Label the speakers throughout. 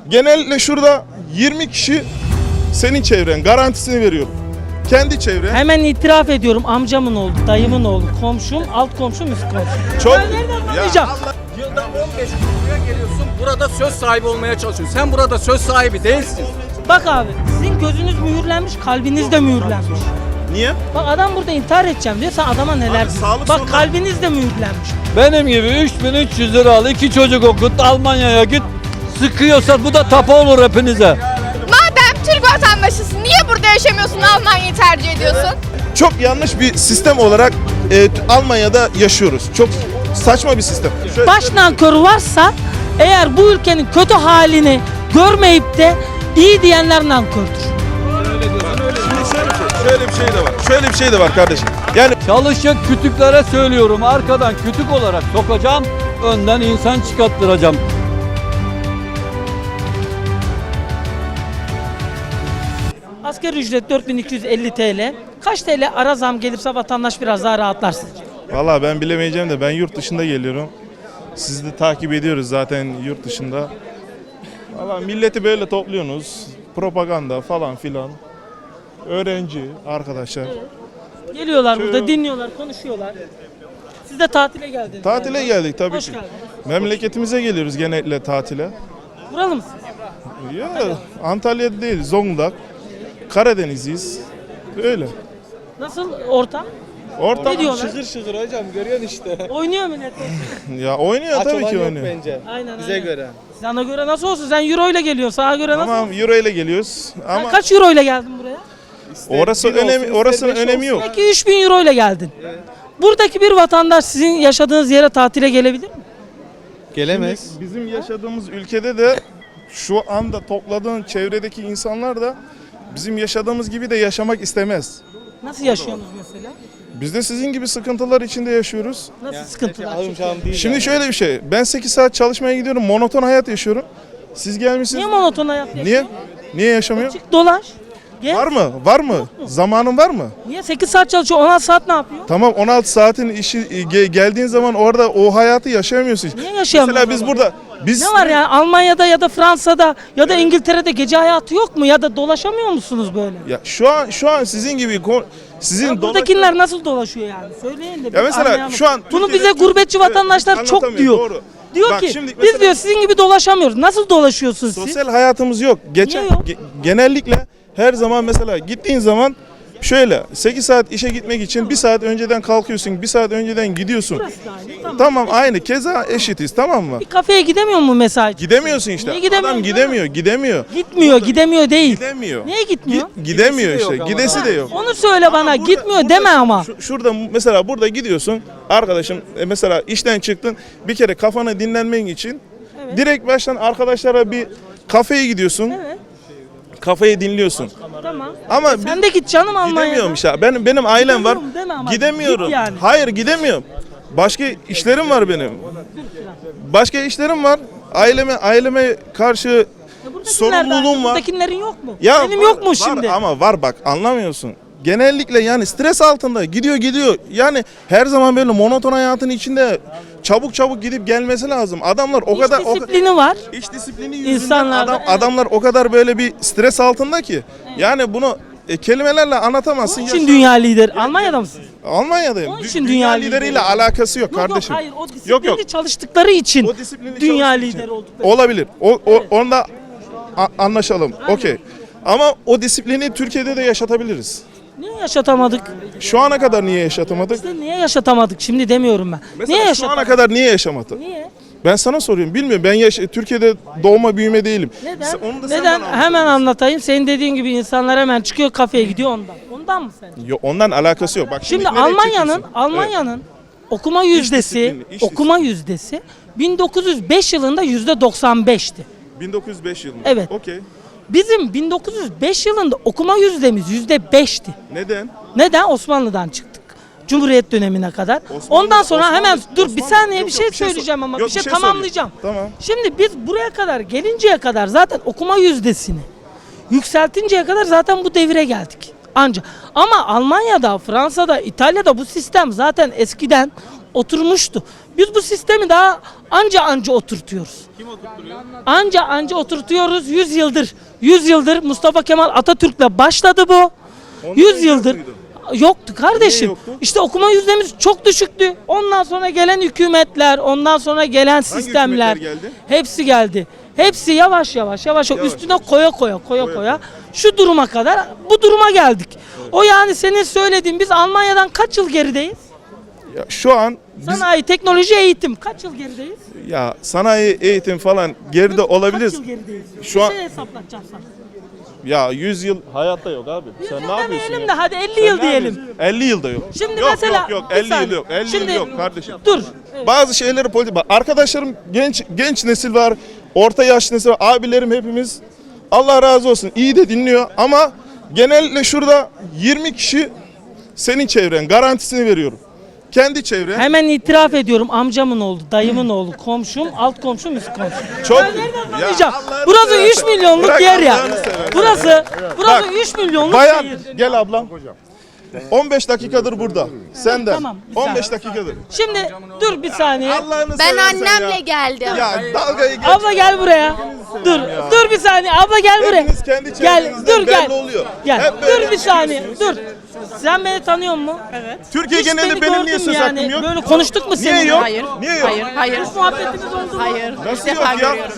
Speaker 1: Genellikle şurada 20 kişi senin çevren, garantisini veriyorum. Kendi çevren.
Speaker 2: Hemen itiraf ediyorum, amcamın oğlu, dayımın oğlu, komşum, alt komşum, üst komşum.
Speaker 1: Çok.
Speaker 2: Ben nereden tanıyacağım?
Speaker 3: Yılda 15 gün buraya geliyorsun, burada söz sahibi olmaya çalışıyorsun. Sen burada söz sahibi değilsin.
Speaker 2: Bak abi, sizin gözünüz mühürlenmiş, kalbiniz de mühürlenmiş.
Speaker 1: Niye?
Speaker 2: Bak adam burada intihar edeceğim diyor, sen adama neler diyorsun.
Speaker 1: sağlık
Speaker 2: Bak
Speaker 1: sorunu-
Speaker 2: kalbiniz de mühürlenmiş.
Speaker 4: Benim gibi 3300 lira al, 2 çocuk okut, Almanya'ya git. Sıkıyorsa bu da tapa olur hepinize.
Speaker 5: Madem Türk vatandaşısın, niye burada yaşamıyorsun, Almanya'yı tercih ediyorsun?
Speaker 1: Çok yanlış bir sistem olarak Almanya'da yaşıyoruz. Çok saçma bir sistem. Şöyle,
Speaker 2: Baş nankörü varsa eğer bu ülkenin kötü halini görmeyip de iyi diyenler nankördür.
Speaker 1: şöyle bir şey de var. Şöyle bir şey de var kardeşim. Yani
Speaker 4: Çalışacak kütüklere söylüyorum, arkadan kütük olarak sokacağım, önden insan çıkarttıracağım.
Speaker 2: Asgari ücret 4250 TL. Kaç TL ara zam gelirse vatandaş biraz daha rahatlar sizce?
Speaker 1: valla ben bilemeyeceğim de ben yurt dışında geliyorum. Sizi de takip ediyoruz zaten yurt dışında. Valla milleti böyle topluyorsunuz. Propaganda falan filan. Öğrenci arkadaşlar.
Speaker 2: Geliyorlar burada, dinliyorlar, konuşuyorlar. Siz de tatile geldiniz.
Speaker 1: Tatile
Speaker 2: galiba.
Speaker 1: geldik tabii
Speaker 2: Hoş
Speaker 1: ki.
Speaker 2: geldiniz.
Speaker 1: Memleketimize geliyoruz genellikle tatile.
Speaker 2: Buralı mısınız?
Speaker 1: Ya Antalya'da değil, Zonguldak. Karadeniz'iyiz. Öyle.
Speaker 2: Nasıl ortam?
Speaker 1: Ortam
Speaker 2: Ne diyorlar?
Speaker 6: Şıkır şıkır hocam görüyorsun işte.
Speaker 2: Oynuyor millet.
Speaker 1: ya oynuyor
Speaker 6: Aç
Speaker 1: tabii
Speaker 6: olan
Speaker 1: ki
Speaker 6: yok
Speaker 1: oynuyor.
Speaker 6: bence.
Speaker 2: Aynen,
Speaker 6: Bize
Speaker 2: aynen.
Speaker 6: göre.
Speaker 2: Sana göre nasıl olsun? Sen euro ile geliyorsun. Sana göre nasıl
Speaker 1: Tamam
Speaker 2: olsun?
Speaker 1: euro ile geliyoruz
Speaker 2: Sen
Speaker 1: ama
Speaker 2: kaç euro ile geldin buraya?
Speaker 1: orası
Speaker 6: bir olsun,
Speaker 1: önemi
Speaker 6: ister
Speaker 1: orasının
Speaker 6: beş
Speaker 1: önemi yok.
Speaker 2: Peki 3000 euro ile geldin. Buradaki bir vatandaş sizin yaşadığınız yere tatile gelebilir mi?
Speaker 6: Gelemez.
Speaker 1: Bizim yaşadığımız ülkede de şu anda topladığın çevredeki insanlar da bizim yaşadığımız gibi de yaşamak istemez.
Speaker 2: Nasıl yaşıyorsunuz mesela?
Speaker 1: Biz de sizin gibi sıkıntılar içinde yaşıyoruz.
Speaker 2: Nasıl sıkıntılar
Speaker 6: Alım
Speaker 2: çekiyorsunuz?
Speaker 6: şahım değil.
Speaker 1: Şimdi
Speaker 6: yani.
Speaker 1: şöyle bir şey. Ben 8 saat çalışmaya gidiyorum. Monoton hayat yaşıyorum. Siz gelmişsiniz.
Speaker 2: Niye monoton hayat yaşıyorsun?
Speaker 1: Niye? Niye yaşamıyor?
Speaker 2: Çık dolaş. Gel.
Speaker 1: Var mı? Var mı? Zamanın var mı?
Speaker 2: Niye 8 saat çalışıyor? 16 saat ne yapıyor?
Speaker 1: Tamam 16 saatin işi geldiğin zaman orada o hayatı yaşayamıyorsun.
Speaker 2: Niye yaşayamıyorsun?
Speaker 1: Mesela biz burada
Speaker 2: Ne var yani Almanya'da ya da Fransa'da ya da İngiltere'de gece hayatı yok mu? Ya da dolaşamıyor musunuz böyle?
Speaker 1: Ya şu an sizin gibi sizin
Speaker 2: Ya buradakiler nasıl dolaşıyor yani? Söyleyin de.
Speaker 1: Ya
Speaker 2: bir
Speaker 1: mesela
Speaker 2: anlayalım.
Speaker 1: şu an
Speaker 2: bunu
Speaker 1: Türkiye'de-
Speaker 2: bize gurbetçi
Speaker 1: Evet,
Speaker 2: vatandaşlar çok
Speaker 1: anlatamıyor,
Speaker 2: diyor.
Speaker 1: doğru.
Speaker 2: Diyor
Speaker 1: Bak
Speaker 2: ki
Speaker 1: şimdi
Speaker 2: biz
Speaker 1: mesela-
Speaker 2: diyor sizin gibi dolaşamıyoruz. Nasıl dolaşıyorsun siz?
Speaker 1: sosyal hayatımız yok. Geçen
Speaker 2: Niye yok?
Speaker 1: genellikle her zaman mesela gittiğin zaman şöyle 8 saat işe gitmek için 1 saat önceden kalkıyorsun, 1 saat önceden gidiyorsun.
Speaker 2: Burası da aynı, tamam.
Speaker 1: Tamam aynı keza eşitiz tamam mı?
Speaker 2: Bir kafeye gidemiyor mu mesai?
Speaker 1: Gidemiyorsun işte.
Speaker 2: Niye gidemiyorsun?
Speaker 1: Adam gidemiyor.
Speaker 2: Gitmiyor değil.
Speaker 1: Gidemiyor.
Speaker 2: Niye gitmiyor?
Speaker 1: Gidemiyor
Speaker 6: Gidesi de
Speaker 1: işte.
Speaker 6: yok ama.
Speaker 1: Gidesi de yok.
Speaker 2: Onu söyle bana.
Speaker 1: Burada-
Speaker 2: Gitmiyor
Speaker 1: burada
Speaker 2: deme ama.
Speaker 1: Şurada mesela burada gidiyorsun arkadaşım mesela işten çıktın bir kere kafanı dinlenmen için
Speaker 2: Evet.
Speaker 1: direkt baştan arkadaşlara bir kafeye gidiyorsun.
Speaker 2: Evet.
Speaker 1: Kafayı dinliyorsun.
Speaker 2: Tamam.
Speaker 1: Ama
Speaker 2: Sen de git canım Almanya'da.
Speaker 1: gidemiyorum işte. Benim ailem var.
Speaker 2: Gidemiyorum deme ama.
Speaker 1: Gidemiyorum.
Speaker 2: Git yani.
Speaker 1: Hayır gidemiyorum. Başka işlerim var benim. Başka işlerim var. Aileme karşı
Speaker 2: Ya buradakiler
Speaker 1: sorumluluğum
Speaker 2: de-
Speaker 1: var.
Speaker 2: Buradakilerin yok mu?
Speaker 1: Ya
Speaker 2: Benim
Speaker 1: var-
Speaker 2: yok mu
Speaker 1: var
Speaker 2: şimdi?
Speaker 1: ama var bak anlamıyorsun. Genellikle yani stres altında gidiyor. Yani her zaman böyle monoton hayatın içinde çabuk gidip gelmesi lazım. Adamlar o
Speaker 2: İş
Speaker 1: kadar
Speaker 2: disiplini var.
Speaker 1: iş disiplini yüzünden
Speaker 2: İnsanlarda, evet.
Speaker 1: adamlar o kadar böyle bir stres altında ki. Yani bunu kelimelerle anlatamazsın.
Speaker 2: Onun için dünya lideri. Almanya'da mısın?
Speaker 1: Almanya'dayım.
Speaker 2: Onun için
Speaker 1: Dünya
Speaker 2: dünya
Speaker 1: lideriyle
Speaker 2: lideri.
Speaker 1: alakası yok
Speaker 2: Yok
Speaker 1: kardeşim.
Speaker 2: hayır o disiplinli
Speaker 1: Yok.
Speaker 2: çalıştıkları için
Speaker 1: O disiplinli
Speaker 2: dünya
Speaker 1: çalıştığı için.
Speaker 2: lideri oldukları.
Speaker 1: Olabilir. Onda anlaşalım. Okey. Ama o disiplini Türkiye'de de yaşatabiliriz.
Speaker 2: Niye yaşatamadık?
Speaker 1: Şu ana kadar niye yaşatamadık?
Speaker 2: İşte niye yaşatamadık şimdi demiyorum ben.
Speaker 1: Mesela
Speaker 2: Niye
Speaker 1: şu ana
Speaker 2: yaşatamadık?
Speaker 1: kadar niye yaşamadı?
Speaker 2: Niye?
Speaker 1: Ben sana soruyorum. Bilmiyorum. Ben Türkiye'de doğma büyüme değilim.
Speaker 2: Neden?
Speaker 1: Onu da sen
Speaker 2: Neden?
Speaker 1: bana anlat.
Speaker 2: Hemen anlatayım. Senin dediğin gibi insanlar hemen çıkıyor kafeye gidiyor ondan. Ondan mı sen?
Speaker 1: Yok, ondan alakası yok. Bak
Speaker 2: Şimdi
Speaker 1: nereye çekiyorsun?
Speaker 2: Almanya'nın okuma yüzdesi
Speaker 1: disiplini, iş
Speaker 2: okuma yüzdesi 1905 yılında %95'ti.
Speaker 1: 1905 yılında.
Speaker 2: Evet.
Speaker 1: Okey.
Speaker 2: Bizim 1905 yılında okuma yüzdemiz %5'ti.
Speaker 1: Neden?
Speaker 2: Neden? Osmanlı'dan çıktık. Cumhuriyet dönemine kadar. Ondan sonra hemen dur bir saniye
Speaker 1: yok,
Speaker 2: bir şey
Speaker 1: yok, bir şey
Speaker 2: söyleyeceğim ama
Speaker 1: yok,
Speaker 2: bir şey
Speaker 1: bir şey
Speaker 2: tamamlayacağım.
Speaker 1: söyleyeyim. Tamam.
Speaker 2: Şimdi biz buraya kadar gelinceye kadar zaten okuma yüzdesini yükseltinceye kadar zaten bu devire geldik. Anca ama Almanya'da, Fransa'da, İtalya'da bu sistem zaten eskiden oturmuştu. Biz bu sistemi daha anca oturtuyoruz.
Speaker 6: Kim oturtturuyor?
Speaker 2: Anca oturtuyoruz 100 yıldır Mustafa Kemal Atatürk'le başladı bu. 100 yıldır yoktu kardeşim.
Speaker 1: yoktu?
Speaker 2: İşte okuma yüzdemiz çok düşüktü. Ondan sonra gelen hükümetler, ondan sonra gelen sistemler
Speaker 1: hükümetler geldi?
Speaker 2: hepsi geldi. Hepsi yavaş üstüne koya şu duruma kadar bu duruma geldik. O yani senin söylediğin biz Almanya'dan kaç yıl gerideyiz?
Speaker 1: Ya şu an biz
Speaker 2: Sanayi, teknoloji, eğitim kaç yıl gerideyiz?
Speaker 1: ya sanayi, eğitim falan geride olabiliriz.
Speaker 2: Kaç yıl gerideyiz?
Speaker 1: Şu an
Speaker 2: Bir şey hesaplatacağım sana.
Speaker 1: ya 100 yıl hayatta yok abi. Sen ne yapıyorsun
Speaker 2: Demeyelim
Speaker 1: ya?
Speaker 2: de hadi 50
Speaker 1: Sen
Speaker 2: yıl
Speaker 1: ne
Speaker 2: diyelim.
Speaker 1: yapıyorsun? 50 yılda yok.
Speaker 2: Şimdi
Speaker 1: yok,
Speaker 2: mesela
Speaker 1: yok
Speaker 2: bir
Speaker 1: 50 yıl
Speaker 2: saniye.
Speaker 1: yok. 50
Speaker 2: Şimdi-
Speaker 1: yıl yok kardeşim.
Speaker 2: Dur.
Speaker 1: Bazı şeyleri politik. Bak, arkadaşlarım genç nesil var. Orta yaş nesil var. Abilerim hepimiz. Allah razı olsun. İyi de dinliyor ama genellikle şurada 20 kişi senin çevren. Garantisini veriyorum. Kendi çevren.
Speaker 2: Hemen itiraf ediyorum, amcamın oğlu, dayımın oğlu, komşum, alt komşum, üst komşum.
Speaker 1: Çok
Speaker 2: Ben nereden
Speaker 1: Ya
Speaker 2: tanıyacağım?
Speaker 1: Allah'ını
Speaker 2: Burası
Speaker 1: seversen.
Speaker 2: 3 milyonluk
Speaker 1: Bırak
Speaker 2: yer ya.
Speaker 1: Allah'ını seversen.
Speaker 2: Burası
Speaker 1: Bak,
Speaker 2: 3 milyonluk
Speaker 1: Bayan
Speaker 2: şehir.
Speaker 1: gel ablam. 15 dakikadır burada. Sen de.
Speaker 2: Tamam, bir
Speaker 1: 15 dakikadır.
Speaker 2: Şimdi dur bir saniye.
Speaker 1: Allah'ını
Speaker 5: Ben
Speaker 1: seversen
Speaker 5: annemle
Speaker 1: ya.
Speaker 5: geldim.
Speaker 1: Ya dalgayı geç.
Speaker 2: Abla gel buraya. Dur bir saniye. Abla gel buraya.
Speaker 1: Hepiniz kendi
Speaker 2: Gel,
Speaker 1: çevrenizden
Speaker 2: dur gel.
Speaker 1: belli oluyor.
Speaker 2: Gel.
Speaker 1: Hep böyle
Speaker 2: Dur bir saniye. Dur. Sen beni tanıyor musun? Evet.
Speaker 1: Türkiye genelinde benim niye söz hakkım yok?
Speaker 2: Böyle konuştuk mu
Speaker 1: Niye
Speaker 2: seninle?
Speaker 1: yok?
Speaker 7: Hayır.
Speaker 1: Niye yok?
Speaker 7: Hayır.
Speaker 2: Hiç muhabbetimiz oldu mu?
Speaker 7: Hayır.
Speaker 1: Nasıl
Speaker 7: İlk
Speaker 1: yok
Speaker 7: defa
Speaker 1: ya?
Speaker 7: görüyorum.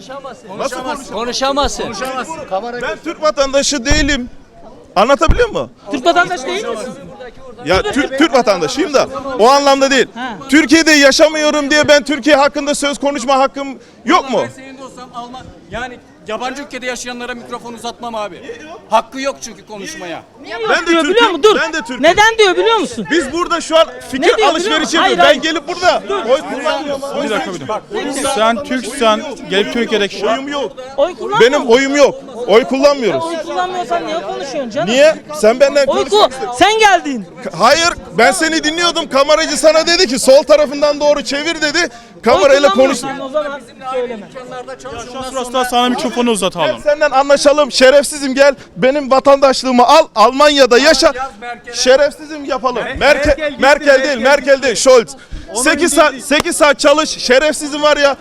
Speaker 3: Konuşamazsın.
Speaker 1: Ben Türk vatandaşı değilim. Anlatabiliyor muyum?
Speaker 2: Türk vatandaşı değil misin?
Speaker 1: Ya Türk vatandaşıyım da o anlamda değil.
Speaker 2: Ha.
Speaker 1: Türkiye'de yaşamıyorum diye ben Türkiye hakkında söz konuşma hakkım yok mu?
Speaker 3: Ben senin de olsam Alman yani yabancı ülkede yaşayanlara mikrofon uzatmam abi. Hakkı yok çünkü konuşmaya.
Speaker 1: Ben de
Speaker 2: Diyor biliyor
Speaker 1: Türk'üm.
Speaker 2: musun? Dur.
Speaker 1: Ben de Türk'üm.
Speaker 2: Neden diyor biliyor musun?
Speaker 1: Biz burada şu an
Speaker 2: Ne
Speaker 1: fikir
Speaker 2: diyor biliyor
Speaker 1: alışverişi
Speaker 2: musun? Hayır,
Speaker 1: yapıyoruz. Ben
Speaker 2: hayır.
Speaker 1: gelip burada oy kullanmıyorum.
Speaker 6: Bir dakika. Sen Türksen gelip Türkiye'deki
Speaker 1: Oyum yok.
Speaker 2: Oy kullanmıyor
Speaker 1: Benim
Speaker 2: musun?
Speaker 1: oyum yok. Oy kullanmıyoruz.
Speaker 2: Oy kullanmıyorsan niye konuşuyorsun canım?
Speaker 1: Niye? Sen benden
Speaker 2: Oy
Speaker 1: konuşmak
Speaker 2: sen geldin.
Speaker 1: Hayır, ben seni dinliyordum. Kameracı sana dedi ki sol tarafından doğru çevir dedi. Kamerayla konuş.
Speaker 2: Oy kullanmıyorsan o zaman söyleme.
Speaker 6: Şurası sana mikrofonu uzatalım.
Speaker 1: Gel senden anlaşalım. Şerefsizim gel. Benim vatandaşlığımı al. Almanya'da yaşa. Şerefsizim yapalım. Merkel değil, Merkel değil. Scholz. 8 saat çalış. Şerefsizim var ya.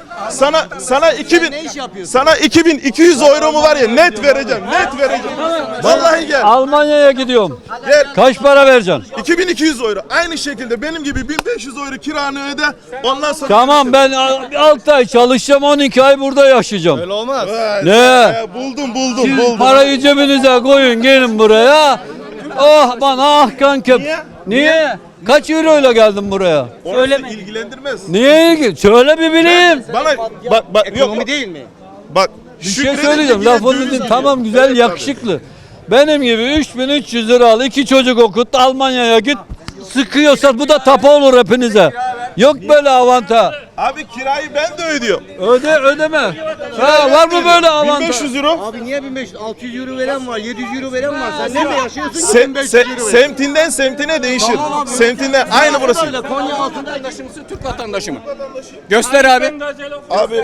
Speaker 1: Sana 2200 euro mu var ya net vereceğim. Net vereceğim. Vallahi gel.
Speaker 4: Almanya'ya gidiyorum.
Speaker 1: Gel.
Speaker 4: Kaç para vereceksin?
Speaker 1: 2200 euro. Aynı şekilde benim gibi 1500 euro kiranı öde. Ondan sonra
Speaker 4: Tamam ben 6 ay çalışacağım, 12 ay burada yaşayacağım.
Speaker 6: Öyle olmaz.
Speaker 4: Ne?
Speaker 1: Buldum.
Speaker 4: Parayı cebinize koyun, gelin buraya. Oh bana ah kankem. Niye? Kaç euroyla geldin buraya?
Speaker 1: Söyleme. İlgilendirmez.
Speaker 4: Niye ilgi? Söyle bir bileyim.
Speaker 1: Bana bak yok.
Speaker 6: değil mi?
Speaker 1: Bak
Speaker 4: Bir şey söyleyeceğim. Lafını din. Tamam güzel, yakışıklı. Benim gibi 3300 lira al, 2 çocuk okut, Almanya'ya git. Sıkıyorsa bu da tapa olur hepinize. Yok böyle avanta.
Speaker 1: Abi kirayı ben de ödüyorum.
Speaker 4: Ödeme. Ha, var mı böyle avanta?
Speaker 1: 1500 euro.
Speaker 8: Abi niye 1500? 600 euro veren var, 700 euro veren var. Sen nerede yaşıyorsun ki 1500 euro veren?
Speaker 1: Semtinden semtine değişir. Semtinden aynı burası.
Speaker 3: Konya altında vatandaşı mısın, Türk vatandaşı mı? Göster abi.
Speaker 1: Abi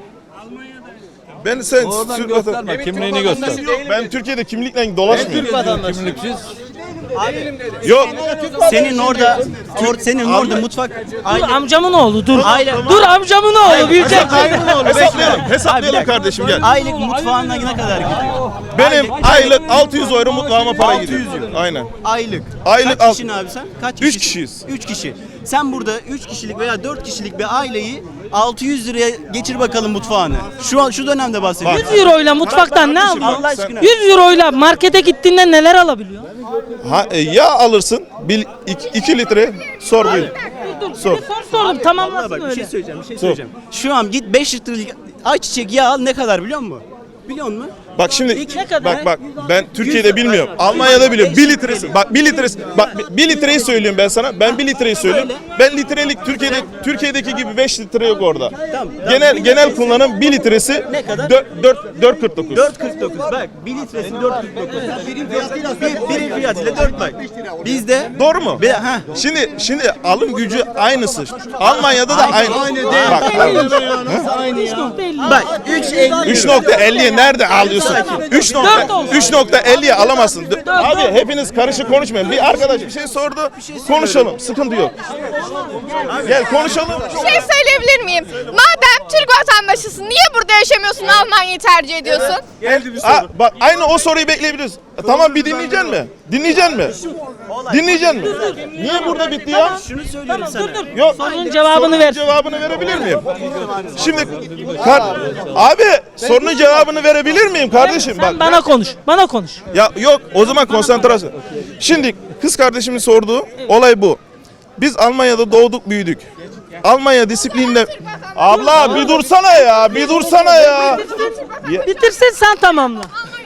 Speaker 1: sen
Speaker 4: Oradan
Speaker 1: Türk
Speaker 4: gösterme,
Speaker 1: vatandaşı.
Speaker 4: kimliğini göster.
Speaker 1: Ben Türkiye'de kimlikle dolaşmıyorum.
Speaker 4: Kimliksiz.
Speaker 1: Yok.
Speaker 8: Senin orada mutfak
Speaker 2: Dur amcamın oğlu dur.
Speaker 8: Aile-
Speaker 2: Dur amcamın oğlu büyüyecek.
Speaker 1: Hesaplayalım kardeşim gel.
Speaker 8: aylık mutfağına ne kadar gidiyor?
Speaker 1: Benim aylık 600 euro mutfağıma para gidiyor. Aynen.
Speaker 8: Aylık.
Speaker 1: Aylık
Speaker 8: Kaç
Speaker 1: al-
Speaker 8: kişinin abi sen? Kaç
Speaker 1: Üç
Speaker 8: kişisin?
Speaker 1: kişiyiz.
Speaker 8: 3 kişi. Sen burada 3 kişilik veya 4 kişilik bir aileyi 600 liraya geçir bakalım mutfağını. Şu dönemde bahsediyorum.
Speaker 2: 100 euroyla mutfaktan ne
Speaker 1: kardeşim,
Speaker 2: alıyorsun?
Speaker 8: Allah aşkına.
Speaker 2: 100 euroyla markete gittiğinde neler alabiliyor?
Speaker 1: Yağ alırsın 2 litre sor buyur.
Speaker 2: Dur
Speaker 1: Sor.
Speaker 2: sordum
Speaker 8: Vallahi
Speaker 2: tamamlasın
Speaker 8: bak bir
Speaker 2: öyle.
Speaker 8: şey söyleyeceğim. Şu an git 5 litrelik ayçiçek yağı al, ne kadar biliyor musun? Biliyor musun?
Speaker 1: Bak şimdi
Speaker 2: Ne kadar?
Speaker 1: bak ben Türkiye'de bilmiyorum. Almanya'da biliyorum. 1 litresi. Bak 1 litresi. Bak 1 litreyi söylüyorum ben sana. Ben 1 litreyi söylüyorum. Ben litrelik Türkiye'deki gibi 5 litre yok orada.
Speaker 8: Tamam.
Speaker 1: Genel kullanım 1 litresi
Speaker 8: Ne kadar?
Speaker 1: 4.49.
Speaker 8: 4.49 bak 1 litresi 4.49. Birim fiyatıyla 4 bak. Bizde
Speaker 1: Doğru mu?
Speaker 8: ha.
Speaker 1: Şimdi alım gücü aynısı. Almanya'da da aynı. Bak,
Speaker 8: Bak 3.50
Speaker 1: 3.50 Abi nerede alıyorsun? 3.50'ye alamazsın. Abi hepiniz karışık konuşmayın. Bir arkadaş bir şey sordu. Konuşalım. Sıkıntı yok. Gel konuşalım.
Speaker 5: Bir şey söyleyebilir miyim? Madem Türk vatandaşısın niye burada yaşamıyorsun Almanya'yı tercih ediyorsun?
Speaker 1: Bak aynı o soruyu bekleyebiliriz. Tamam bir dinleyeceksin mi? Dinleyeceksin mi? Dinleyeceksin mi? Niye burada bitti ya?
Speaker 8: Şunu söylüyorum sana.
Speaker 1: Yok.
Speaker 2: Sorunun cevabını ver.
Speaker 1: Cevabını verebilir miyim? Şimdi abi sorunun cevabını verebilir miyim kardeşim?
Speaker 2: Sen bana konuş. Bana konuş.
Speaker 1: Ya yok o zaman konsantrasyon. Şimdi kız kardeşimin sorduğu olay bu. Biz Almanya'da doğduk büyüdük. Almanya disiplininde... Abla bir dursana ya, bir dursana ya.
Speaker 2: Bitirsin sen tamamla.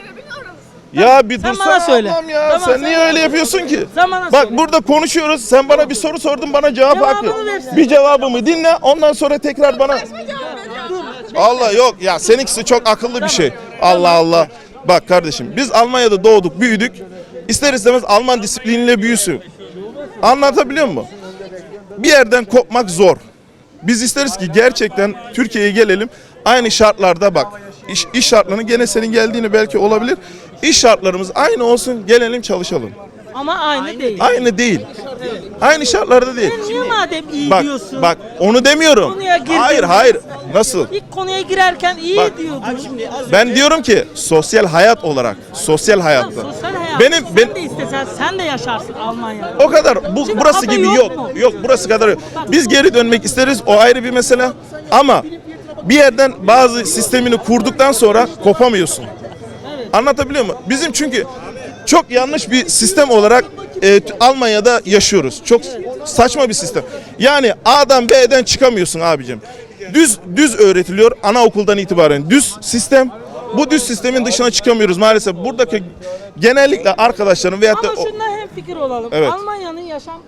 Speaker 1: Ya bir
Speaker 2: Sen
Speaker 1: dursana
Speaker 2: bana söyle.
Speaker 1: ablam ya.
Speaker 2: Tamam,
Speaker 1: sen
Speaker 2: sen
Speaker 1: niye öyle yapıyorsun ki?
Speaker 2: Sen bana
Speaker 1: Bak
Speaker 2: söyle.
Speaker 1: burada konuşuyoruz. Sen bana bir soru sordun, bana cevap
Speaker 2: Cevabını
Speaker 1: hakkı.
Speaker 2: versin.
Speaker 1: Bir cevabımı dinle, ondan sonra tekrar bana... Allah yok ya seninkisi çok akıllı bir şey. Allah Allah. Bak kardeşim biz Almanya'da doğduk, büyüdük. İster istemez Alman disipliniyle büyüsün. Anlatabiliyor muyum? Bir yerden kopmak zor. Biz isteriz ki gerçekten Türkiye'ye gelelim. Aynı şartlarda bak. İş şartlarını gene senin geldiğini belki olabilir. İş şartlarımız aynı olsun. Gelelim çalışalım.
Speaker 2: Ama aynı değil.
Speaker 1: Aynı değil. Aynı şartlarda değil.
Speaker 2: Sen niye madem iyi
Speaker 1: Bak
Speaker 2: diyorsun?
Speaker 1: bak onu demiyorum.
Speaker 2: Konuya girdin.
Speaker 1: Hayır. Nasıl?
Speaker 2: İlk konuya girerken iyi
Speaker 1: Bak.
Speaker 2: diyordun.
Speaker 1: Ben diyorum ki sosyal hayat olarak, sosyal hayatta.
Speaker 2: Sosyal hayat.
Speaker 1: Benim
Speaker 2: Sen de istesen sen de yaşarsın Almanya'da.
Speaker 1: o kadar
Speaker 2: Şimdi
Speaker 1: burası
Speaker 2: adı
Speaker 1: gibi
Speaker 2: yok
Speaker 1: yok.
Speaker 2: mu?
Speaker 1: Yok burası kadar yok. Biz geri dönmek isteriz o ayrı bir mesele. Ama bir yerden bazı sistemini kurduktan sonra kopamıyorsun. Anlatabiliyor muyum? Bizim çünkü çok yanlış bir sistem olarak Almanya'da yaşıyoruz. Çok saçma bir sistem. Yani A'dan B'den çıkamıyorsun abicim. Düz öğretiliyor anaokuldan itibaren. Düz sistem. Bu düz sistemin dışına çıkamıyoruz maalesef. Buradaki genellikle arkadaşlarım veyahut da
Speaker 2: Ama şundan hemfikir olalım.
Speaker 1: Evet.
Speaker 2: Almanya'nın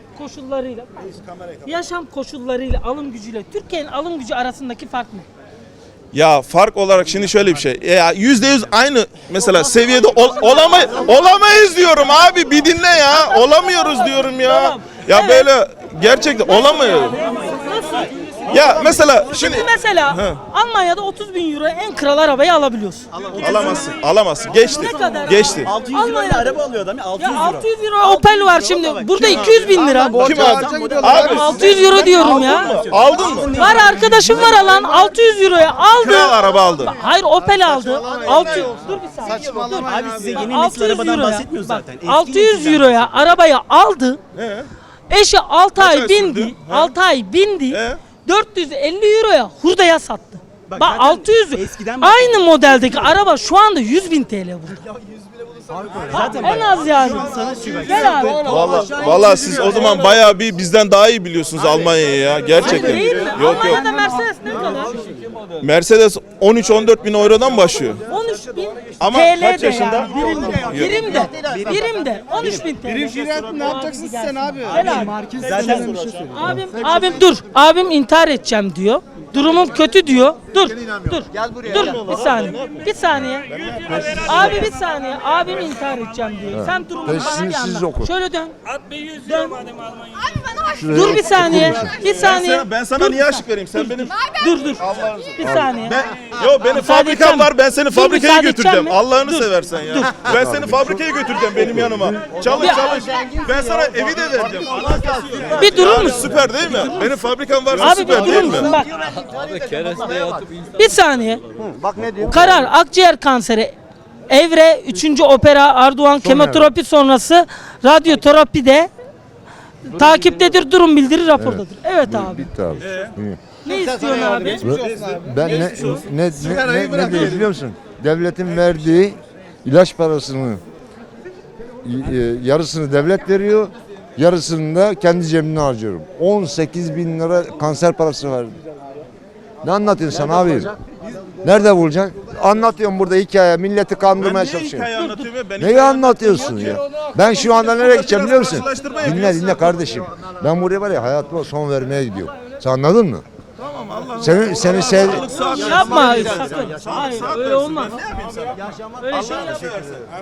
Speaker 2: yaşam koşullarıyla, alım gücüyle Türkiye'nin alım gücü arasındaki fark ne?
Speaker 1: ya fark olarak şimdi şöyle bir şey. Ya %100 aynı mesela seviyede olamayız diyorum abi bir dinle ya. Olamıyoruz diyorum ya.
Speaker 2: Tamam.
Speaker 1: Ya
Speaker 2: Evet.
Speaker 1: böyle gerçekten olamıyor.
Speaker 2: Nasıl?
Speaker 1: Ya mesela şimdi
Speaker 2: Şimdi mesela
Speaker 1: He.
Speaker 2: Almanya'da 30 bin euro en kral arabayı alabiliyorsun.
Speaker 1: alamazsın. Geçti.
Speaker 2: Ne kadar?
Speaker 1: Geçti.
Speaker 8: 600 lirayla araba alıyor adam ya 600
Speaker 2: Ya
Speaker 8: euro.
Speaker 2: 600 euro Opel var şimdi. Burada 200 bin lira.
Speaker 1: Kim aldı? Abi
Speaker 2: 600 euro diyorum ya.
Speaker 1: aldın mı?
Speaker 2: Var arkadaşım var alan 600 euroya aldı.
Speaker 1: Kral araba aldı.
Speaker 2: Hayır Opel aldı. 600 dur bir saniye. Dur.
Speaker 8: Abi size yeni nesil
Speaker 2: 600
Speaker 8: arabadan
Speaker 2: euroya.
Speaker 8: bahsetmiyor zaten. Eski
Speaker 2: 600
Speaker 8: nesilden
Speaker 2: euroya arabayı aldı. Eşi 6
Speaker 1: ay
Speaker 2: ay bindi.
Speaker 1: sürdü?
Speaker 2: 6 ay bindi. 450 euroya hurdaya sattı. Bak
Speaker 8: zaten
Speaker 2: 600
Speaker 8: eskiden
Speaker 2: aynı modeldeki araba şu anda 100 bin TL burada.
Speaker 8: Zaten
Speaker 2: En az yani. Gel abi.
Speaker 1: Vallahi siz o zaman bayağı bir bizden daha iyi biliyorsunuz Almanya'yı ya gerçekten.
Speaker 2: Değil mi?
Speaker 1: Yok.
Speaker 2: Almanya'da Mercedes ne kadar?
Speaker 1: Mercedes 13-14 bin eurodan başlıyor.
Speaker 2: 13 bin
Speaker 1: Ama
Speaker 2: TL
Speaker 1: kaç
Speaker 2: de
Speaker 1: yaşında?
Speaker 2: yani. Birimde 13 bin TL.
Speaker 7: Birim şirket ne yapacaksın sen abi?
Speaker 2: Gel abi.
Speaker 8: zaten
Speaker 2: Abim dur. Abim intihar edeceğim diyor. Durumum kötü diyor. Dur. Dur. Bir saniye. Abi bir saniye. Abim intihar edeceğim diyor. Sen durumu bana bir anlat. Şöyle dön. Dön. Dur bir saniye. Bir saniye.
Speaker 1: Ben sana niye aşık vereyim? Sen benim
Speaker 2: Dur. Bir saniye.
Speaker 1: benim
Speaker 2: Müsaade
Speaker 1: fabrikam
Speaker 2: edeceğim.
Speaker 1: var. Ben seni
Speaker 2: Dur,
Speaker 1: fabrikaya
Speaker 2: müsaade
Speaker 1: götüreceğim.
Speaker 2: edeceğim mi?
Speaker 1: Allah'ını
Speaker 2: Dur.
Speaker 1: seversen ya. Ben seni fabrikaya götüreceğim benim yanıma. Çalış. Ben sana evi de vereceğim.
Speaker 2: Bir durur
Speaker 1: Abi
Speaker 2: musun?
Speaker 1: süper değil mi? Benim fabrikam varsa
Speaker 2: Abi bir
Speaker 1: süper
Speaker 2: durur
Speaker 1: değil mi?
Speaker 2: musun? Bak.
Speaker 4: Kereste yatıp
Speaker 2: Bir saniye. Karar akciğer kanseri. Evre 3. opera Arduan kemoterapi sonrası radyoterapide takiptedir, durum bildirir, rapordadır. Evet abi.
Speaker 9: Bitti abi.
Speaker 2: Ne istiyorsun abi?
Speaker 9: Ben ne diyor biliyor musun? Devletin verdiği ilaç parasını yarısını devlet veriyor, yarısını da kendi cebimden harcıyorum. 18 bin lira kanser parası verdim. Ne anlatıyorsun sen abi? Nerede bulacaksın? Anlatıyorum burada hikaye, milleti kandırmaya çalışıyorum. Neyi anlatıyorsun ya? Ben şu anda nereye gideceğim biliyor musun? Dinle kardeşim. Ben buraya var ya hayatıma son vermeye gidiyorum. Sen anladın mı? Seni sev...
Speaker 2: Yapma sakın. Hayır öyle olmaz. Öyle şey yapma.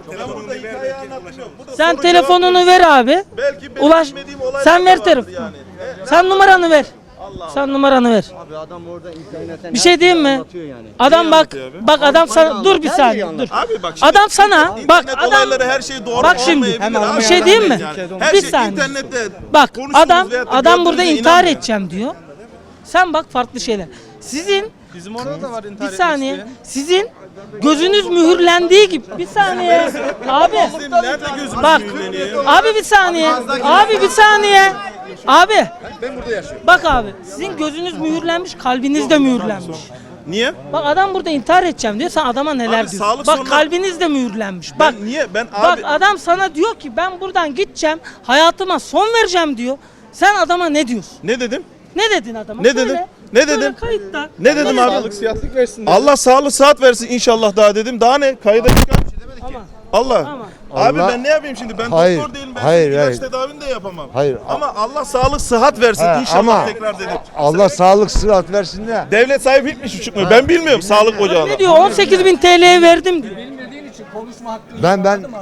Speaker 2: Sen telefonunu ver abi. Ulaş. Sen ver telefonu. Sen numaranı ver. Sen numaranı ver.
Speaker 8: Abi adam orada internetten
Speaker 2: Bir şey diyeyim mi? Adam bak bak adam sana dur bir saniye dur.
Speaker 1: Abi bak şimdi
Speaker 2: Adam sana bak
Speaker 1: internet
Speaker 2: adam
Speaker 1: olayları her şey doğru
Speaker 2: bak şimdi
Speaker 1: olmayabilir abi.
Speaker 2: bir şey diyeyim mi?
Speaker 1: Her
Speaker 2: Bir
Speaker 1: şey
Speaker 2: saniye.
Speaker 1: internette
Speaker 2: Bak
Speaker 1: konuştuğunuz
Speaker 2: adam
Speaker 1: veyahut da
Speaker 2: adam burada
Speaker 1: gördüğünüze
Speaker 2: intihar
Speaker 1: inanmayın.
Speaker 2: edeceğim diyor. Sen bak farklı şeyler. Sizin
Speaker 6: Bizim orada da var intihar
Speaker 2: bir saniye sizin gözünüz mühürlendiği gibi bir saniye abi
Speaker 1: Bizim nerede gözümüz
Speaker 2: bak
Speaker 1: mühürleniyor?
Speaker 2: abi bir saniye abi bir saniye abi ben burada yaşıyorum. Bak abi sizin gözünüz mühürlenmiş kalbiniz de mühürlenmiş.
Speaker 1: Niye?
Speaker 2: Bak adam burada intihar edeceğim diyor sen adama neler
Speaker 1: Abi,
Speaker 2: diyorsun.
Speaker 1: sağlık
Speaker 2: Bak
Speaker 1: sorunu-
Speaker 2: kalbiniz de mühürlenmiş. Bak
Speaker 1: Niye? Ben
Speaker 2: bak
Speaker 1: abi
Speaker 2: adam sana diyor ki ben buradan gideceğim hayatıma son vereceğim diyor. Sen adama ne diyorsun?
Speaker 1: ne dedim?
Speaker 2: Ne dedin adama?
Speaker 1: Ne
Speaker 2: Söyle.
Speaker 1: dedim? Ne
Speaker 2: Söyle
Speaker 1: dedim?
Speaker 2: kayıtta.
Speaker 1: Ne dedim abi?
Speaker 6: Sağlık sıhhatlik versin.
Speaker 1: Allah sağlık sıhhat versin inşallah daha dedim. Daha ne? Kayda çıkar.
Speaker 2: Aman.
Speaker 1: Allah.
Speaker 2: Aman.
Speaker 1: Abi
Speaker 9: Allah-
Speaker 1: ben ne yapayım şimdi? Ben
Speaker 9: Hayır,
Speaker 1: doktor değilim. Ben
Speaker 9: hayır,
Speaker 1: ilaç
Speaker 9: hayır.
Speaker 1: tedavini de yapamam.
Speaker 9: Hayır.
Speaker 1: Ama Allah sağlık sıhhat versin
Speaker 9: He,
Speaker 1: inşallah
Speaker 9: ama
Speaker 1: tekrar dedim.
Speaker 9: Allah sağlık sıhhat versin de.
Speaker 1: Devlet sahibi bitmiş buçuk mu? Ben bilmiyorum sağlık ocağına.
Speaker 2: Ne diyor? 18.000 TL'ye verdim diyor.
Speaker 9: Ben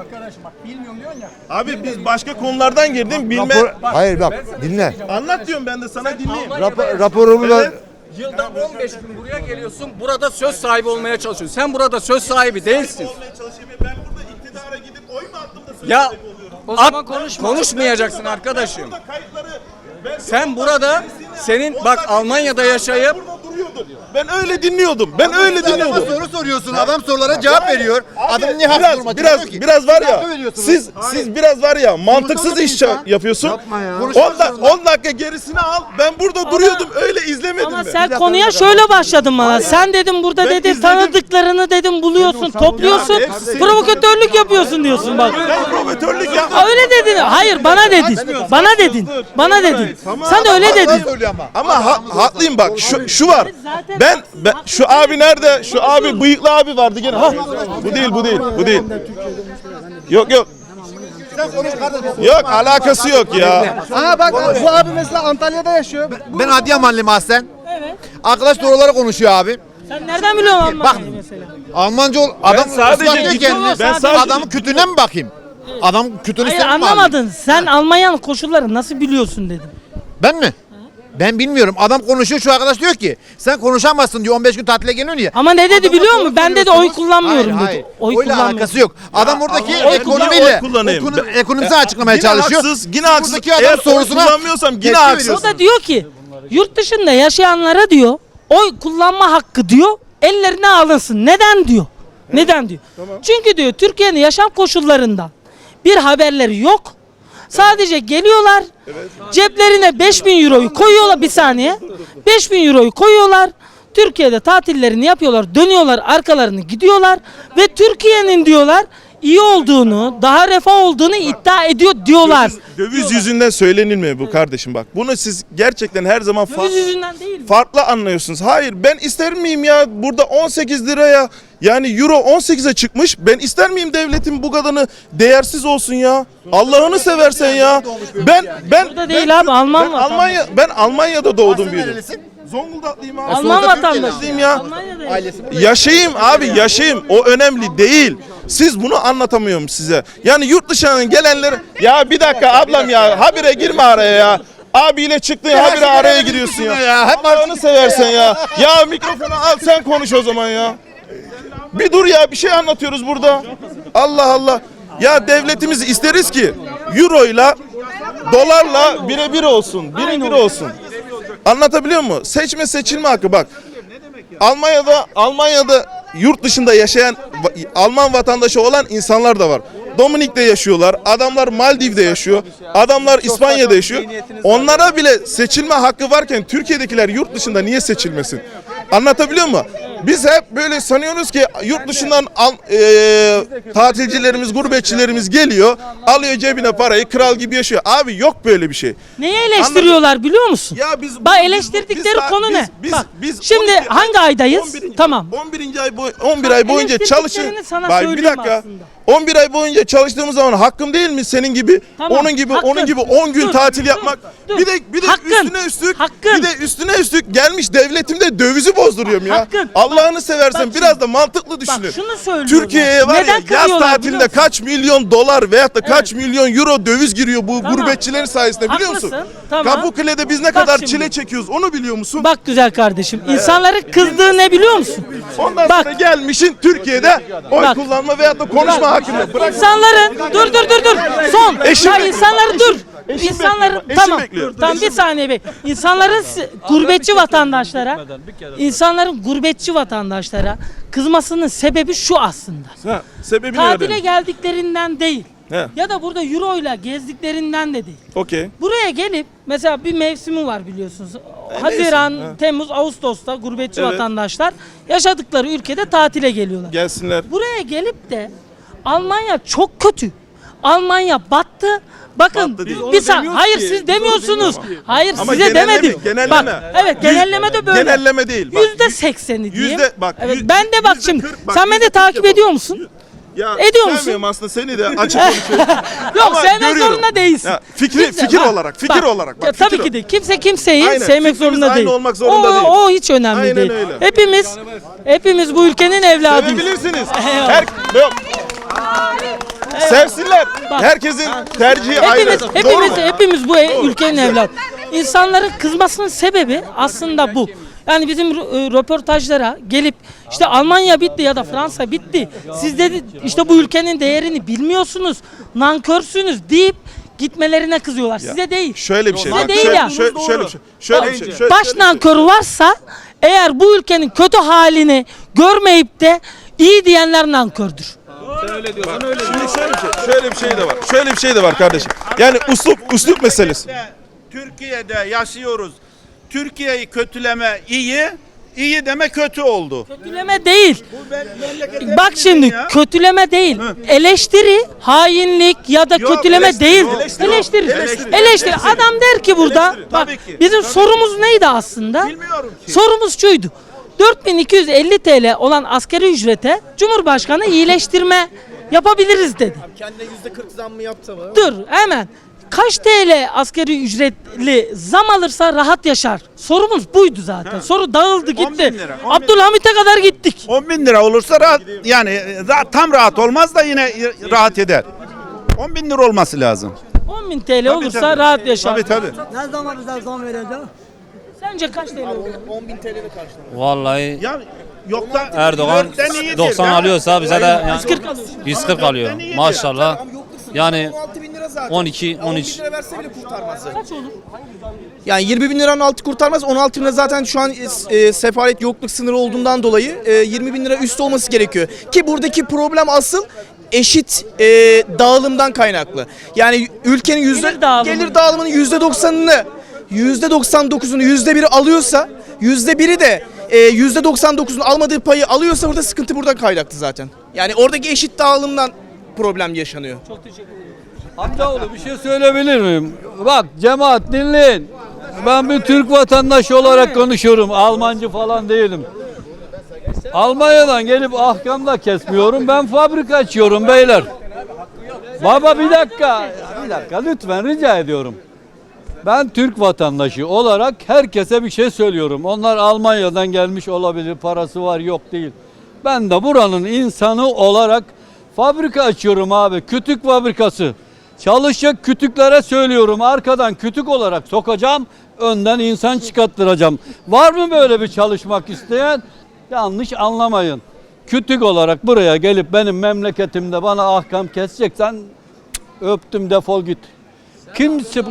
Speaker 1: Abi biz başka konulardan girdim bilme.
Speaker 9: hayır bak dinle.
Speaker 1: Anlat diyorum ben de sana dinleyeyim.
Speaker 9: Raporumu da
Speaker 3: Yılda 15 gün buraya geliyorsun. Burada söz sahibi olmaya çalışıyorsun. Sen burada söz sahibi değilsin.
Speaker 1: Ben burada iktidara gidip oy mu attım da söz
Speaker 3: Ya
Speaker 1: sahibi oluyorum?
Speaker 3: o zaman konuşmayacaksın arkadaşım.
Speaker 1: Kayıtları
Speaker 3: Sen burada senin bak Almanya'da yaşayıp
Speaker 1: burada duruyordum. Ben öyle dinliyordum. Ben öyle dinliyordum.
Speaker 10: Soru soruyorsun. Adam sorulara cevap veriyor. Adam niye haklı duruma çıkıyor ki?
Speaker 1: biraz var ya.
Speaker 10: Haklı veriyorsunuz.
Speaker 1: Siz biraz var ya mantıksız iş yapıyorsun. 10 dakika gerisini al. Ben burada duruyordum. Öyle izlemedim
Speaker 2: Ama
Speaker 1: ben.
Speaker 2: sen konuya şöyle başladın bana. Sen dedim burada
Speaker 1: Ben
Speaker 2: dedi
Speaker 1: izledim.
Speaker 2: tanıdıklarını dedim buluyorsun, topluyorsun.
Speaker 1: Ya, hepsi-
Speaker 2: Provokatörlük yapıyorsun diyorsun bak.
Speaker 1: Ben provokatörlük yapmadım.
Speaker 2: Öyle dedin. Hayır bana dedin. Bana dedin. Bana dedin. Sen öyle dedin.
Speaker 10: Söylüyor ama.
Speaker 1: Ama haklıyım bak. Şu var.
Speaker 2: Zaten-
Speaker 1: Ben şu abi nerede? Şu abi bıyıklı abi vardı gene. Ha. Bu değil. Yok. Yok alakası yok ya.
Speaker 7: Aha bak bu abi mesela Antalya'da yaşıyor.
Speaker 10: Ben Adıyamanlıyım aslen.
Speaker 2: Evet.
Speaker 10: Arkadaş doğruları konuşuyor abi.
Speaker 2: Sen nereden biliyorsun Almanya'yı mesela?
Speaker 10: Almanca ol. Adam
Speaker 1: sadece
Speaker 10: ıslatıyor
Speaker 1: gittim,
Speaker 10: kendini.
Speaker 1: ben sadece-
Speaker 10: Adamın kütüğüne mi bakayım? Adam kütüğünü
Speaker 2: Hayır
Speaker 10: sen mi
Speaker 2: anlamadın. Sen Almanya'nın koşulları nasıl biliyorsun dedim.
Speaker 10: Ben mi? Ben bilmiyorum. Adam konuşuyor, şu arkadaş diyor ki sen konuşamazsın diyor, 15 gün tatile geliyorsun ya.
Speaker 2: Ama ne dedi
Speaker 10: Adama
Speaker 2: biliyor
Speaker 10: soru
Speaker 2: musun? Ben dedi
Speaker 10: soruyorsunuz.
Speaker 2: oy kullanmıyorum
Speaker 10: Hayır,
Speaker 2: dedi.
Speaker 10: hayır.
Speaker 2: Oy
Speaker 10: Oyla
Speaker 2: kullanmıyorum.
Speaker 10: alakası yok. Adam buradaki
Speaker 1: oy
Speaker 10: ekonomiyle,
Speaker 1: kullanayım.
Speaker 10: ekonomisini açıklamaya
Speaker 1: Yine
Speaker 10: çalışıyor.
Speaker 1: haksız, yine haksız.
Speaker 10: Buradaki adam
Speaker 1: Eğer
Speaker 10: sorusuna
Speaker 1: oy kullanmıyorsam yine
Speaker 10: tepki
Speaker 1: haksız.
Speaker 10: veriyorsun.
Speaker 2: O da diyor ki yurt dışında yaşayanlara diyor oy kullanma hakkı diyor ellerine alınsın. Neden diyor? Neden diyor? Çünkü diyor Türkiye'nin yaşam koşullarından bir haberleri yok. Sadece geliyorlar ceplerine 5.000 euroyu koyuyorlar bir saniye. 5.000 euroyu koyuyorlar. Türkiye'de tatillerini yapıyorlar. Dönüyorlar arkalarını gidiyorlar. Ve Türkiye'nin diyorlar iyi olduğunu, daha refah olduğunu iddia ediyor diyorlar.
Speaker 1: Döviz yüzünden söylenilmiyor bu kardeşim bak. Bunu siz gerçekten her zaman
Speaker 2: Döviz yüzünden değil mi?
Speaker 1: farklı anlıyorsunuz. Hayır ben ister miyim ya burada 18 liraya yani euro 18'e çıkmış. Ben ister miyim devletin bu kadarını değersiz olsun ya? Allah'ını seversen ya.
Speaker 2: Burada değil abi, Alman vatandaşı.
Speaker 1: Ben Almanya'da doğdum büyüdüm.
Speaker 10: Nerelisin?
Speaker 1: Zonguldak'lıyım abi.
Speaker 2: Alman vatandaşı.
Speaker 1: Türkiye'liyim ya.
Speaker 2: Almanya'da
Speaker 1: Yaşayayım abi yaşayayım. O önemli değil. Siz bunu anlatamıyorum size. Yani yurt dışından gelenler ya bir dakika ablam ya habire girme araya ya. Abiyle çıktın ya habire araya giriyorsun ya. Allah'ını seversen ya. Ya mikrofonu al sen konuş o zaman ya. Bir dur ya bir şey anlatıyoruz burada. Allah Allah. Ya devletimiz isteriz ki euroyla dolarla birebir olsun. Birebir olsun. Anlatabiliyor muyum? Seçme seçilme hakkı bak. Almanya'da yurt dışında yaşayan Alman vatandaşı olan insanlar da var. Dominik'te yaşıyorlar. Adamlar Maldiv'de yaşıyor. Adamlar İspanya'da yaşıyor. Onlara bile seçilme hakkı varken Türkiye'dekiler yurt dışında niye seçilmesin? Anlatabiliyor muyum? Biz hep böyle sanıyoruz ki yurt dışından tatilcilerimiz, gurbetçilerimiz geliyor, alıyor cebine parayı, kral gibi yaşıyor. Abi yok böyle bir şey.
Speaker 2: Neyi eleştiriyorlar biliyor musun?
Speaker 1: Ya biz
Speaker 2: Bak eleştirdikleri konu ne? Bak, şimdi
Speaker 1: 12
Speaker 2: hangi aydayız?
Speaker 1: 11.
Speaker 2: Tamam.
Speaker 1: 11 ay boyunca çalışın.
Speaker 2: Eleştirdiklerini sana
Speaker 1: Bak bir
Speaker 2: söyleyeyim
Speaker 1: dakika.
Speaker 2: aslında.
Speaker 1: 11 ay boyunca çalıştığımız zaman hakkım değil mi senin gibi?
Speaker 2: Tamam,
Speaker 1: Onun gibi
Speaker 2: hakkın.
Speaker 1: onun gibi 10 gün
Speaker 2: Dur,
Speaker 1: tatil
Speaker 2: dur,
Speaker 1: yapmak.
Speaker 2: dur.
Speaker 1: Bir de
Speaker 2: Hakkın.
Speaker 1: üstüne üstlük gelmiş devletimde dövizi bozduruyorum ya.
Speaker 2: Hakkın.
Speaker 1: Allah'ını seversen
Speaker 2: bak
Speaker 1: biraz
Speaker 2: şimdi-
Speaker 1: da mantıklı düşünün.
Speaker 2: Bak şunu söylüyorum.
Speaker 1: Türkiye'ye var
Speaker 2: Neden
Speaker 1: ya yaz
Speaker 2: kırıyorlar biliyor
Speaker 1: tatilinde
Speaker 2: musun?
Speaker 1: kaç milyon dolar veyahut da kaç milyon euro döviz giriyor bu
Speaker 2: Tamam.
Speaker 1: gurbetçilerin sayesinde biliyor musun?
Speaker 2: Haklısın. Tamam.
Speaker 1: Kapıkule'de biz ne
Speaker 2: Bak
Speaker 1: kadar
Speaker 2: şimdi.
Speaker 1: çile çekiyoruz onu biliyor musun?
Speaker 2: Bak güzel kardeşim. İnsanların kızdığı ne biliyor musun?
Speaker 1: Ondan
Speaker 2: Bak.
Speaker 1: sonra gelmişin Türkiye'de oy
Speaker 2: Bak.
Speaker 1: kullanma veyahut da konuşma hakkında. Bırak.
Speaker 2: İnsanların dur. Son.
Speaker 1: Eşim
Speaker 2: Ya
Speaker 1: bekliyor.
Speaker 2: insanları dur.
Speaker 1: Eşim
Speaker 2: İnsanların
Speaker 1: bekliyor. Eşim
Speaker 2: tamam.
Speaker 1: bekliyor.
Speaker 2: Tamam bir saniye bek. İnsanların gurbetçi vatandaşlara gurbetçi vatandaşlara kızmasının sebebi şu aslında.
Speaker 1: Ha, sebebini
Speaker 2: Tatile
Speaker 1: öğrenin.
Speaker 2: geldiklerinden değil.
Speaker 1: He.
Speaker 2: Ya da burada euro ile gezdiklerinden de değil.
Speaker 1: Okey.
Speaker 2: Buraya gelip mesela bir mevsimi var biliyorsunuz. Haziran,
Speaker 1: mevsim, he.
Speaker 2: Temmuz, Ağustos'ta gurbetçi
Speaker 1: Evet.
Speaker 2: vatandaşlar yaşadıkları ülkede tatile geliyorlar.
Speaker 1: Gelsinler.
Speaker 2: Buraya gelip de Almanya çok kötü. Almanya battı. Bakın
Speaker 1: Battı değil.
Speaker 2: hayır siz demiyorsunuz. Hayır
Speaker 1: Ama
Speaker 2: size
Speaker 1: genelleme,
Speaker 2: demedim.
Speaker 1: genelleme.
Speaker 2: Bak, evet genelleme de böyle.
Speaker 1: Genelleme değil. Bak,
Speaker 2: %80'i diyeyim.
Speaker 1: bak,
Speaker 2: Evet, ben de bak şimdi.
Speaker 1: %40 bak,
Speaker 2: Sen beni
Speaker 1: %40
Speaker 2: takip
Speaker 1: yapalım.
Speaker 2: ediyor musun?
Speaker 1: Ya,
Speaker 2: Ediyor musun?
Speaker 1: sevmiyorum aslında seni de açık konuşuyorum.
Speaker 2: Yok
Speaker 1: Ama
Speaker 2: sevmek
Speaker 1: görüyorum.
Speaker 2: zorunda değilsin.
Speaker 1: Ya, fikir
Speaker 2: bak,
Speaker 1: olarak, fikir olarak. Bak,
Speaker 2: Ya,
Speaker 1: fikir
Speaker 2: tabii ki de kimse kimseyi
Speaker 1: Aynen,
Speaker 2: sevmek
Speaker 1: fikrimiz
Speaker 2: zorunda
Speaker 1: aynı
Speaker 2: değil.
Speaker 1: olmak zorunda değil.
Speaker 2: O hiç önemli
Speaker 1: Aynen
Speaker 2: değil.
Speaker 1: öyle.
Speaker 2: Hepimiz bu ülkenin evladıyız.
Speaker 1: Sevebilirsiniz.
Speaker 2: Eyvallah.
Speaker 1: Yok. Sevsinler.
Speaker 2: Bak.
Speaker 1: Herkesin tercihi ayrı. Doğru mu?
Speaker 2: Hepimiz bu ülkenin evladı. İnsanların kızmasının sebebi aslında bu. Yani bizim röportajlara gelip işte Almanya bitti ya da Fransa bitti. Siz dedi işte bu ülkenin değerini bilmiyorsunuz. Nankörsünüz deyip gitmelerine kızıyorlar. Size değil.
Speaker 1: Şöyle bir şey.
Speaker 2: Size
Speaker 1: Bak,
Speaker 2: değil
Speaker 1: şöyle,
Speaker 2: ya.
Speaker 1: şöyle bir şey. Şöyle bir şey. Şöyle
Speaker 2: Baş
Speaker 1: bir şey.
Speaker 2: nankörü varsa eğer bu ülkenin kötü halini görmeyip de iyi diyenler nankördür.
Speaker 1: Şimdi şöyle bir şey de var. Şöyle bir şey de var kardeşim. Yani üslup meselesi.
Speaker 11: Türkiye'de yaşıyoruz. Türkiye'yi kötüleme iyi deme kötü oldu.
Speaker 2: Kötüleme değil. Bak şimdi kötüleme değil. Eleştiri, hainlik ya da kötüleme
Speaker 1: eleştiri,
Speaker 2: değil.
Speaker 1: eleştiri.
Speaker 2: Eleştiri. Adam der ki burada bak
Speaker 11: Tabii ki.
Speaker 2: bizim sorumuz neydi aslında?
Speaker 11: Bilmiyorum ki.
Speaker 2: Sorumuz şuydu. 4250 TL olan asgari ücrete Cumhurbaşkanı iyileştirme yapabiliriz dedi.
Speaker 7: Kendine %40 zam mı yapsa mı?
Speaker 2: Dur hemen. Kaç TL asgari ücretli zam alırsa rahat yaşar? Sorumuz buydu zaten. Soru dağıldı
Speaker 11: 10 bin
Speaker 2: gitti.
Speaker 11: lira, 10 bin
Speaker 2: Abdülhamit'e kadar gittik.
Speaker 11: 10 bin lira olursa rahat yani tam rahat olmaz da yine rahat eder. 10 bin lira olması lazım.
Speaker 2: 10.000 TL olursa rahat yaşar.
Speaker 11: Tabii.
Speaker 7: Ne zaman bize zam vereceğim?
Speaker 2: Sence kaç TL olur?
Speaker 7: 10.000 TL'de karşılamak.
Speaker 12: Vallahi
Speaker 11: Ya yok da
Speaker 12: Erdoğan
Speaker 11: dörtten iyidir.
Speaker 12: 90
Speaker 11: Ya.
Speaker 12: alıyorsa bize de yani
Speaker 2: 140 alıyorsun.
Speaker 12: 140 alıyor. Maşallah. Yani
Speaker 7: 16.000 lira zaten.
Speaker 12: 12,
Speaker 7: 10
Speaker 12: 13.
Speaker 7: bin lira verse bile kurtarmaz.
Speaker 2: Kaç olur?
Speaker 7: Yani 20 bin liranın altı kurtarmaz. 16 bin lira zaten şu an sefalet yokluk sınırı olduğundan dolayı 20 bin lira üstü olması gerekiyor. Ki buradaki problem asıl eşit dağılımdan kaynaklı. Yani ülkenin gelir dağılımının %90'ını %99'unu %1'i alıyorsa %1'i de %99'un almadığı payı alıyorsa burada sıkıntı buradan kaynaklı zaten. Yani oradaki eşit dağılımdan problem yaşanıyor.
Speaker 4: Amcaoğlu bir şey söyleyebilir miyim? Bak cemaat dinleyin. Ben bir Türk vatandaşı olarak konuşuyorum. Almancı falan değilim. Almanya'dan gelip ahkamda kesmiyorum. Ben fabrika açıyorum beyler. Baba bir dakika lütfen rica ediyorum. Ben Türk vatandaşı olarak herkese bir şey söylüyorum. Onlar Almanya'dan gelmiş olabilir, parası var yok değil. Ben de buranın insanı olarak fabrika açıyorum abi, kütük fabrikası. Çalışacak kütüklere söylüyorum, arkadan kütük olarak sokacağım, önden insan çıkarttıracağım. Var mı böyle bir çalışmak isteyen? Yanlış anlamayın. Kütük olarak buraya gelip benim memleketimde bana ahkam keseceksen öptüm defol git. Kimse bu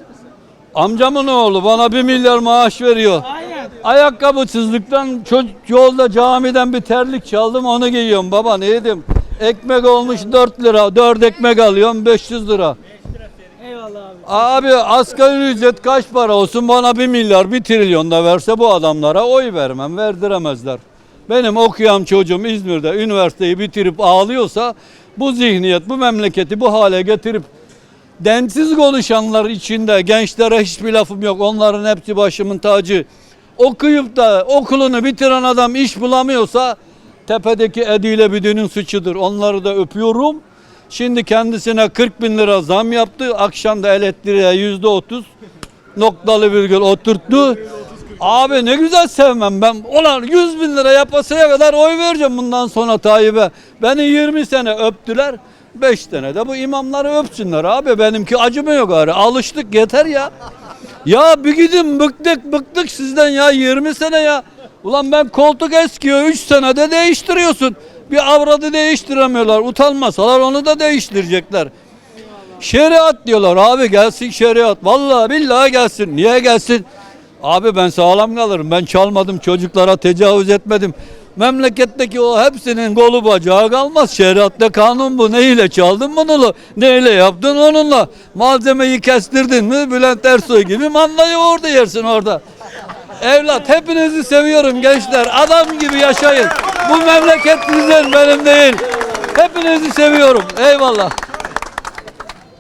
Speaker 4: amcamın oğlu bana 1 milyar maaş veriyor.
Speaker 2: Aynen.
Speaker 4: Ayakkabısızlıktan yolda camiden bir terlik çaldım onu giyiyorum baba ne yedim. Ekmek olmuş 4 lira 4 ekmek alıyorum 500 lira.
Speaker 2: Eyvallah abi.
Speaker 4: Abi asgari ücret kaç para olsun bana 1 milyar 1 trilyon da verse bu adamlara oy vermem verdiremezler. Benim okuyan çocuğum İzmir'de üniversiteyi bitirip ağlıyorsa bu zihniyet bu memleketi bu hale getirip densiz konuşanlar içinde gençlere hiçbir lafım yok. Onların hepsi başımın tacı. Okuyup da okulunu bitiren adam iş bulamıyorsa tepedeki Ediyle Büdü'nün suçudur. Onları da öpüyorum. Şimdi kendisine 40 bin lira zam yaptı. Akşam da elektriğe %30 noktalı virgül oturttu. Abi ne güzel sevmem ben. Ulan 100 bin lira yapasaya kadar oy vereceğim bundan sonra Tayyip'e. Beni 20 sene öptüler. 5 tane de bu imamları öpsünler abi. Benimki acımıyor gari. Alıştık yeter ya. Ya bir gidin bıktık sizden ya 20 sene ya. Ulan ben koltuk eskiyor 3 senede değiştiriyorsun. Bir avradı değiştiremiyorlar. Utanmasalar onu da değiştirecekler. Şeriat diyorlar abi gelsin şeriat. Vallahi billahi gelsin. Niye gelsin? Abi ben sağlam kalırım. Ben çalmadım çocuklara tecavüz etmedim. Memleketteki o hepsinin kolu bacağı kalmaz. Şeriatta kanun bu. Neyle çaldın bunu? Neyle yaptın onunla? Malzemeyi kestirdin mi? Bülent Ersoy gibi mandayı orada yersin orada. Evlat hepinizi seviyorum gençler. Adam gibi yaşayın. Bu memleket sizin benim değil. Hepinizi seviyorum. Eyvallah.